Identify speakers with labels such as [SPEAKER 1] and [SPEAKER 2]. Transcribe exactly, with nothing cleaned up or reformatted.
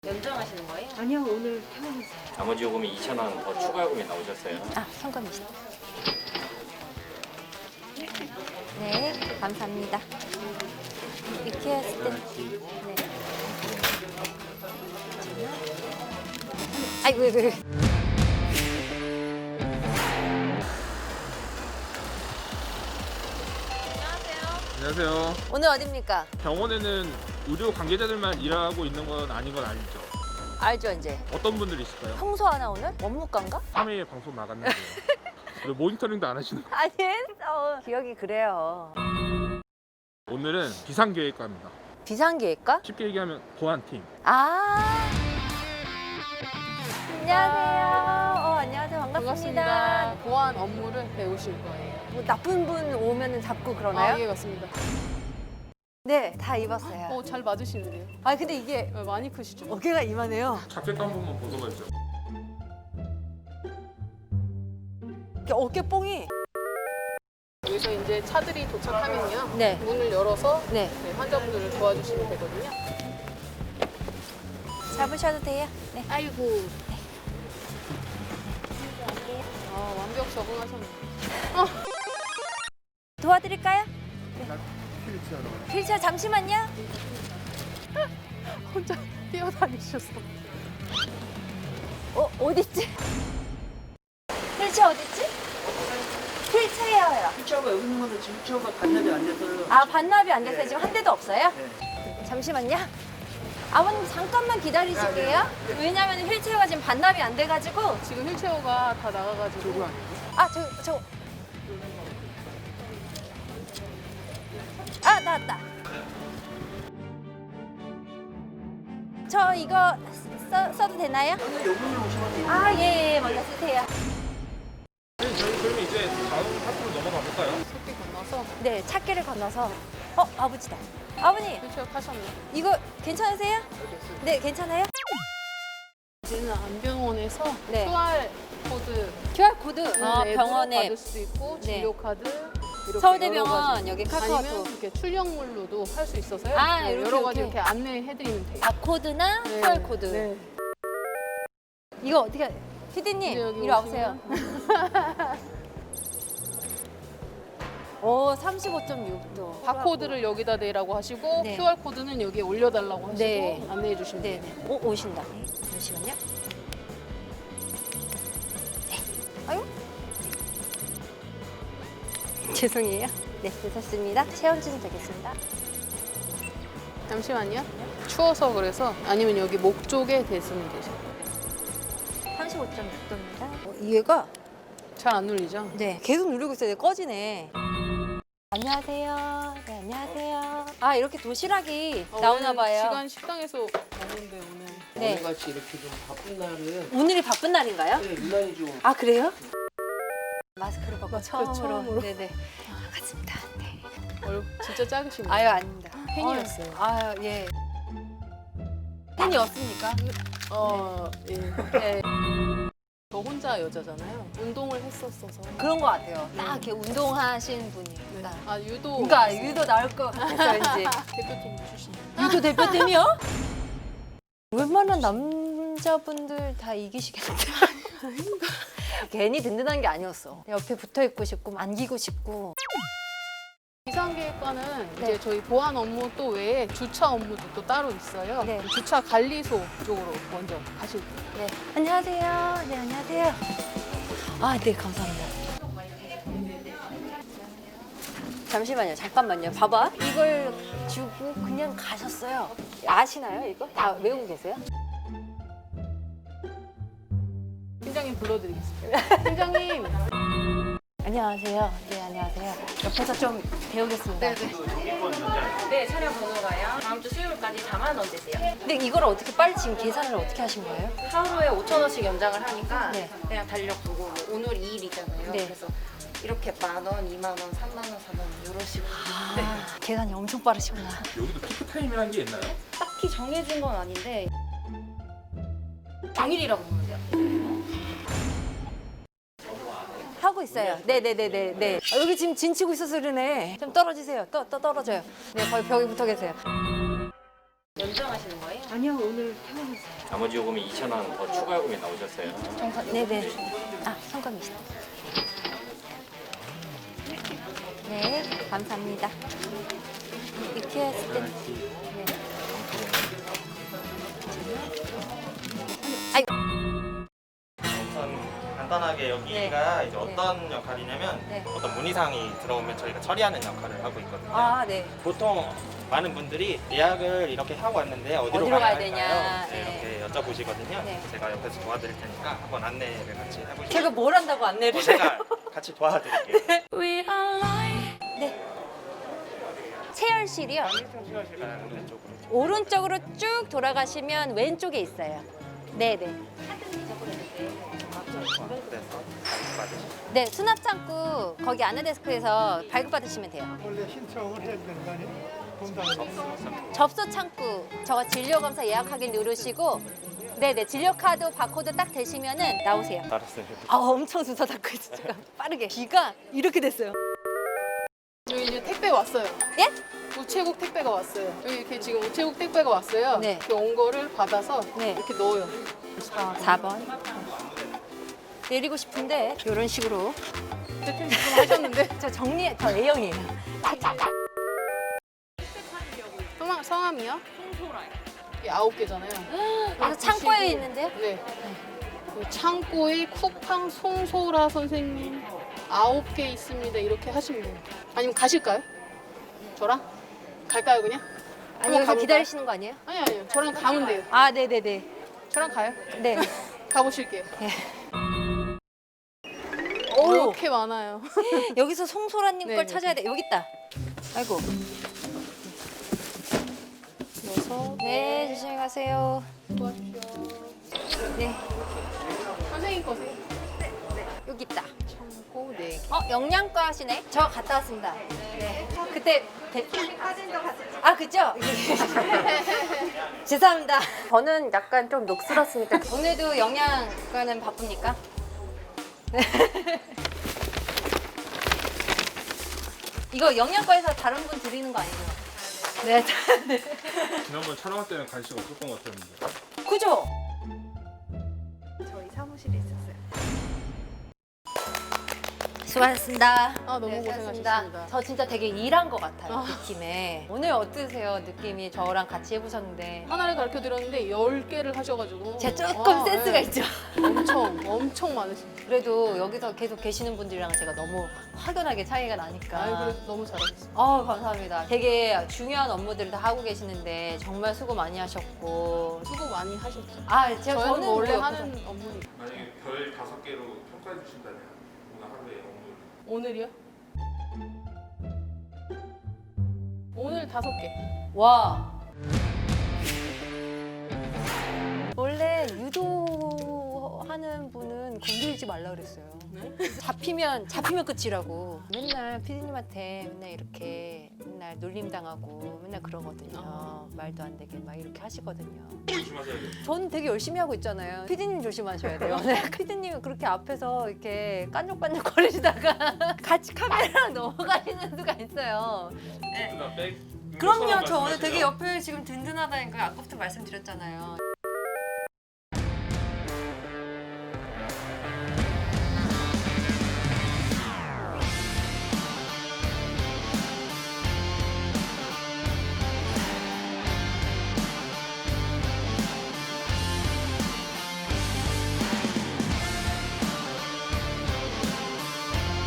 [SPEAKER 1] 연장하시는 거예요?
[SPEAKER 2] 아니요, 오늘 퇴원했어요.
[SPEAKER 3] 나머지 요금이 이천 원 더 추가 요금이 나오셨어요.
[SPEAKER 1] 아, 현금이시다. 네, 감사합니다. 이렇게 했을 때. 네. 아이고, 이거. 이거.
[SPEAKER 4] 안녕하세요.
[SPEAKER 1] 오늘 어딥니까?
[SPEAKER 4] 병원에는 의료 관계자들만 일하고 있는 건 아닌 건 알죠?
[SPEAKER 1] 알죠, 이제.
[SPEAKER 4] 어떤 분들이 있을까요?
[SPEAKER 1] 평소 하나 오늘? 원무과인가?
[SPEAKER 4] 삼 회에 방송 나갔는데요. 왜 모니터링도 안 하시는 거예요?
[SPEAKER 1] 아니, 했어. 기억이 그래요.
[SPEAKER 4] 오늘은 비상계획과입니다.
[SPEAKER 1] 비상계획과?
[SPEAKER 4] 쉽게 얘기하면 보안팀.
[SPEAKER 1] 아. 안녕하세요. 어, 안녕하세요. 반갑습니다.
[SPEAKER 5] 반갑습니다. 보안 업무를 배우실 거예요.
[SPEAKER 1] 뭐 나쁜 분 오면 잡고 그러나요?
[SPEAKER 5] 아, 예, 맞습니다.
[SPEAKER 1] 네, 다 입었어요.
[SPEAKER 5] 어, 잘 맞으시는데요?
[SPEAKER 1] 아, 근데 이게
[SPEAKER 5] 어, 많이 크시죠?
[SPEAKER 1] 어깨가 이만해요.
[SPEAKER 4] 자켓 한 번만 벗어봐야죠.
[SPEAKER 1] 이렇게 어깨 뽕이.
[SPEAKER 5] 여기서 이제 차들이 도착하면요.
[SPEAKER 1] 네.
[SPEAKER 5] 문을 열어서
[SPEAKER 1] 네.
[SPEAKER 5] 네, 환자분들을 도와주시면 되거든요.
[SPEAKER 1] 잡으셔도 돼요. 네.
[SPEAKER 5] 아이고. 아, 완벽 적응하셨네.
[SPEAKER 1] 도와드릴까요? 네. 휠체어 잠시만요.
[SPEAKER 5] 혼자 뛰어다니셨어.
[SPEAKER 1] 어, 어딨지? 휠체어 어딨지? 휠체어요.
[SPEAKER 6] 휠체어가 여기 있는 건데 지금 휠체어가 반납이 안 돼서
[SPEAKER 1] 아, 반납이 안 돼서 지금 한 대도 없어요? 잠시만요. 아버님 잠깐만 기다리실게요. 왜냐면 휠체어가 지금 반납이 안 돼가지고.
[SPEAKER 5] 지금 휠체어가 다 나가가지고.
[SPEAKER 1] 아, 저, 저. 아, 나왔다. 저 이거 써, 써도 되나요?
[SPEAKER 6] 여분이 오시면 돼요.
[SPEAKER 1] 아, 예, 예, 먼저 쓰세요.
[SPEAKER 4] 네, 저희 그러면 이제 다음 파트로 넘어가 볼까요?
[SPEAKER 5] 새끼 건너서
[SPEAKER 1] 네, 찾기를 건너서. 어, 아버지다. 아버님,
[SPEAKER 5] 휠체어 타셨네.
[SPEAKER 1] 이거 괜찮으세요? 네, 괜찮아요?
[SPEAKER 5] 이제는 안병원에서
[SPEAKER 1] 네.
[SPEAKER 5] 큐알 코드
[SPEAKER 1] 큐알 코드. 아,
[SPEAKER 5] 앱으로
[SPEAKER 1] 병원에.
[SPEAKER 5] 받을 수도 있고
[SPEAKER 1] 네.
[SPEAKER 5] 진료 카드 이렇게
[SPEAKER 1] 서울대병원
[SPEAKER 5] 여러 가지.
[SPEAKER 1] 여기 카카오톡.
[SPEAKER 5] 아니면 이렇게 출력물로도 할 수 있어서요.
[SPEAKER 1] 아,
[SPEAKER 5] 네,
[SPEAKER 1] 이렇게,
[SPEAKER 5] 여러 가지
[SPEAKER 1] 이렇게.
[SPEAKER 5] 이렇게 안내해드리면 돼요.
[SPEAKER 1] 바코드나
[SPEAKER 5] 네.
[SPEAKER 1] 큐알 코드.
[SPEAKER 5] 네.
[SPEAKER 1] 이거 어떻게? 피디님,
[SPEAKER 5] 이제 여기
[SPEAKER 1] 이리 와보세요. 오, 삼십오 점 육 도.
[SPEAKER 5] 바코드를 여기다 내라고 하시고
[SPEAKER 1] 네.
[SPEAKER 5] 큐알 코드는 여기에 올려달라고 하시고
[SPEAKER 1] 네.
[SPEAKER 5] 안내해 주시면 돼요.
[SPEAKER 1] 네네. 오, 오신다. 잠시만요. 네. 아유. 죄송해요. 네, 됐습니다. 체온증 되겠습니다.
[SPEAKER 5] 잠시만요. 추워서 그래서 아니면 여기 목 쪽에 대시면 되죠.
[SPEAKER 1] 삼십오 점 육 도입니다. 어, 얘가
[SPEAKER 5] 잘 안 눌리죠?
[SPEAKER 1] 네, 계속 누르고 있어요. 꺼지네. 안녕하세요. 네, 안녕하세요. 아, 이렇게 도시락이
[SPEAKER 5] 어,
[SPEAKER 1] 나오나
[SPEAKER 5] 오늘
[SPEAKER 1] 봐요.
[SPEAKER 5] 시간 식당에서 먹는데 오늘
[SPEAKER 1] 네.
[SPEAKER 6] 오늘같이 이렇게 좀 바쁜 날은
[SPEAKER 1] 오늘이 바쁜 날인가요?
[SPEAKER 6] 네, 유난히 좀
[SPEAKER 1] 아, 그래요? 마스크를 벗고 처음으로.
[SPEAKER 5] 처음으로.
[SPEAKER 1] 네네. 반갑습니다. 네.
[SPEAKER 5] 얼굴 진짜 작으시네요.
[SPEAKER 1] 아유, 아닙니다.
[SPEAKER 5] 팬이었어요.
[SPEAKER 1] 아유, 예. 팬이었습니까?
[SPEAKER 5] 어, 예.
[SPEAKER 1] 네.
[SPEAKER 5] 저 혼자 여자잖아요. 운동을 했었어서.
[SPEAKER 1] 그런 것 같아요. 딱 이렇게 운동하신 분이.
[SPEAKER 5] 네.
[SPEAKER 1] 딱.
[SPEAKER 5] 아, 유도.
[SPEAKER 1] 그러니까 유도 나올 것 같아서 왠지.
[SPEAKER 5] 대표팀 출신.
[SPEAKER 1] 유도 대표팀이요? 웬만한 남자분들 다 이기시겠는데. 괜히 든든한 게 아니었어. 옆에 붙어 있고 싶고 안기고 싶고.
[SPEAKER 5] 비상계획과는
[SPEAKER 1] 네.
[SPEAKER 5] 이제 저희 보안 업무 또 외에 주차 업무도 또 따로 있어요.
[SPEAKER 1] 네.
[SPEAKER 5] 주차 관리소 쪽으로 먼저 가실 거예요.
[SPEAKER 1] 네. 안녕하세요. 네, 안녕하세요. 아, 네, 감사합니다. 잠시만요. 잠깐만요. 봐봐. 이걸 주고 그냥 가셨어요. 아시나요, 이거? 다 외우고 계세요?
[SPEAKER 5] 팀장님 불러드리겠습니다. 팀장님.
[SPEAKER 1] 안녕하세요. 네, 안녕하세요. 옆에서 좀 배우겠습니다.
[SPEAKER 2] 네, 차량 번호가요. 다음 주 수요일까지 사만 원 되세요.
[SPEAKER 1] 근데 이걸 어떻게 빨리 지금 계산을 어떻게 하신 거예요?
[SPEAKER 2] 하루에 오천 원씩 연장을 하니까
[SPEAKER 1] 네.
[SPEAKER 2] 그냥 달력 보고 뭐 오늘 이 일이잖아요.
[SPEAKER 1] 네.
[SPEAKER 2] 그래서 이렇게 만 원, 이만 원, 삼만 원, 사만 원 이런 식으로. 네.
[SPEAKER 1] 아, 계산이 엄청 빠르시구나.
[SPEAKER 4] 여기도 피크타임이라는 게 있나요?
[SPEAKER 2] 딱히 정해진 건 아닌데 당일이라고 보면 돼요.
[SPEAKER 1] 하고 있어요. 네네네네. 네. 아, 여기 지금 진치고 있어서 그러네. 좀 떨어지세요. 또, 또 떨어져요. 네, 거의 벽에 붙어 계세요.
[SPEAKER 2] 인정하시는 거예요?
[SPEAKER 1] 아니요, 오늘 퇴근했어요.
[SPEAKER 3] 나머지 요금이 이천 원 더 추가 요금이 나오셨어요.
[SPEAKER 1] 네네. 아, 성감이시다. 네, 감사합니다. 이렇게 했을 때. 네. 아이,
[SPEAKER 7] 우선 간단하게 여기가 이제 어떤 역할이냐면
[SPEAKER 1] 네.
[SPEAKER 7] 어떤 문의사항이 들어오면 저희가 처리하는 역할을 하고 있거든요.
[SPEAKER 1] 아, 네.
[SPEAKER 7] 보통 많은 분들이 예약을 이렇게 하고 왔는데 어디로,
[SPEAKER 1] 어디로 가야
[SPEAKER 7] 가야
[SPEAKER 1] 되냐.
[SPEAKER 7] 할까요?
[SPEAKER 1] 네.
[SPEAKER 7] 네, 이렇게 여쭤보시거든요.
[SPEAKER 1] 네.
[SPEAKER 7] 제가 옆에서 도와드릴 테니까 한번 안내를 같이 해보시죠.
[SPEAKER 1] 제가 뭘 한다고 안내를
[SPEAKER 7] 어, 제가 같이 도와드릴게요.
[SPEAKER 1] 네. 체열실이요.
[SPEAKER 7] 시간실 가는 왼쪽으로.
[SPEAKER 1] 오른쪽으로 쭉 돌아가시면 왼쪽에 있어요. 네네.
[SPEAKER 7] 그래서 받으시죠.
[SPEAKER 1] 네, 수납 창구 거기 안내 데스크에서 발급받으시면 돼요.
[SPEAKER 8] 원래 신청을 해야 되는 거 아니에요? 본당에.
[SPEAKER 1] 접수 창구 저거 진료 검사 예약하기 누르시고 네네 진료 카드 바코드 딱 되시면은 나오세요.
[SPEAKER 7] 알았어요.
[SPEAKER 1] 아 엄청 순서 닦고 있어 지금 빠르게 귀가 이렇게 됐어요.
[SPEAKER 5] 여기 이제 택배 왔어요.
[SPEAKER 1] 예?
[SPEAKER 5] 우체국 택배가 왔어요. 여기 이렇게 지금 우체국 택배가 왔어요.
[SPEAKER 1] 네.
[SPEAKER 5] 이렇게 온 거를 받아서
[SPEAKER 1] 네.
[SPEAKER 5] 이렇게 넣어요.
[SPEAKER 1] 사 번 내리고 싶은데 이런 식으로
[SPEAKER 5] 대표님 지금 하셨는데
[SPEAKER 1] 저 정리 저 A형이에요.
[SPEAKER 5] 성함, 성함이요? 이 아홉 개잖아요.
[SPEAKER 1] 그래서 창고에 있는데요.
[SPEAKER 5] 네. 그 창고에 쿠팡 송소라 선생님 아홉 개 있습니다. 이렇게 하시면 돼요. 아니면 가실까요? 저랑? 갈까요 그냥?
[SPEAKER 1] 아니
[SPEAKER 5] 한번
[SPEAKER 1] 여기서
[SPEAKER 5] 가볼까요?
[SPEAKER 1] 기다리시는 거 아니에요?
[SPEAKER 5] 아니 아니요. 저랑 가면 돼요.
[SPEAKER 1] 아 네네네.
[SPEAKER 5] 저랑 가요.
[SPEAKER 1] 네.
[SPEAKER 5] 가보실게요.
[SPEAKER 1] 오
[SPEAKER 5] 이렇게 많아요.
[SPEAKER 1] 여기서 송소라님
[SPEAKER 5] 네,
[SPEAKER 1] 걸
[SPEAKER 5] 네,
[SPEAKER 1] 찾아야 돼. 여기 있다. 아이고.
[SPEAKER 5] 여섯
[SPEAKER 1] 네 조심히 가세요.
[SPEAKER 5] 도와주시오.
[SPEAKER 1] 네
[SPEAKER 5] 선생님 거세요.
[SPEAKER 1] 여기 있다.
[SPEAKER 5] 창고 네 개.
[SPEAKER 1] 어 영양과 하시네. 저 갔다 왔습니다. 네. 그때 대... 사진도 같이. 아 그죠? 죄송합니다. 저는 약간 좀 녹슬었으니까 오늘도 영양과는 바쁩니까? 네. 이거 영양과에서 다른 분 드리는 거 아니죠? 네.
[SPEAKER 4] 지난번 촬영할 때는 간식 없었던 것 같았는데.
[SPEAKER 1] 그죠?
[SPEAKER 9] 저희 사무실에 있었어요.
[SPEAKER 1] 수고하셨습니다.
[SPEAKER 5] 아, 너무
[SPEAKER 1] 네,
[SPEAKER 5] 고생하셨습니다.
[SPEAKER 1] 저 진짜 되게 일한 것 같아요,
[SPEAKER 5] 아.
[SPEAKER 1] 느낌에. 오늘 어떠세요, 느낌이? 저랑 같이 해보셨는데.
[SPEAKER 5] 하나를 가르쳐 드렸는데 열 개를 하셔가지고
[SPEAKER 1] 제가 조금
[SPEAKER 5] 아,
[SPEAKER 1] 센스가
[SPEAKER 5] 네.
[SPEAKER 1] 있죠.
[SPEAKER 5] 엄청 엄청 많으십니다.
[SPEAKER 1] 그래도 여기서 계속 계시는 분들이랑 제가 너무 확연하게 차이가 나니까.
[SPEAKER 5] 아유 그래도 너무 잘하셨어요.
[SPEAKER 1] 아 감사합니다. 되게 중요한 업무들을 다 하고 계시는데 정말 수고 많이 하셨고.
[SPEAKER 5] 수고 많이 하셨죠.
[SPEAKER 1] 아, 제가
[SPEAKER 5] 저희는
[SPEAKER 1] 저는
[SPEAKER 5] 원래
[SPEAKER 1] 뭐
[SPEAKER 5] 하는 업무니까.
[SPEAKER 4] 만약에 별 다섯 개로 평가해 주신다면 오늘 하루에 업무.
[SPEAKER 5] 오늘이요? 오늘 다섯 개.
[SPEAKER 1] 와. 원래 유도하는 분은 건들지 말라 그랬어요.
[SPEAKER 5] 네?
[SPEAKER 1] 잡히면 잡히면 끝이라고. 맨날 피디님한테 맨날 이렇게 맨날 놀림 당하고 맨날 그러거든요.
[SPEAKER 5] 아.
[SPEAKER 1] 말도 안 되게 막 이렇게 하시거든요.
[SPEAKER 4] 조심하셔야겠네요.
[SPEAKER 1] 저는 되게 열심히 하고 있잖아요. 피디님 조심하셔야 돼요. 네, 피디님이 그렇게 앞에서 이렇게 깐족깐족 거리시다가 같이 카메라랑 넘어가시는 수가 있어요.
[SPEAKER 4] 누나 백.
[SPEAKER 1] 그럼요. 저 오늘 되게 옆에 지금 든든하다니까요. 아까부터 말씀드렸잖아요.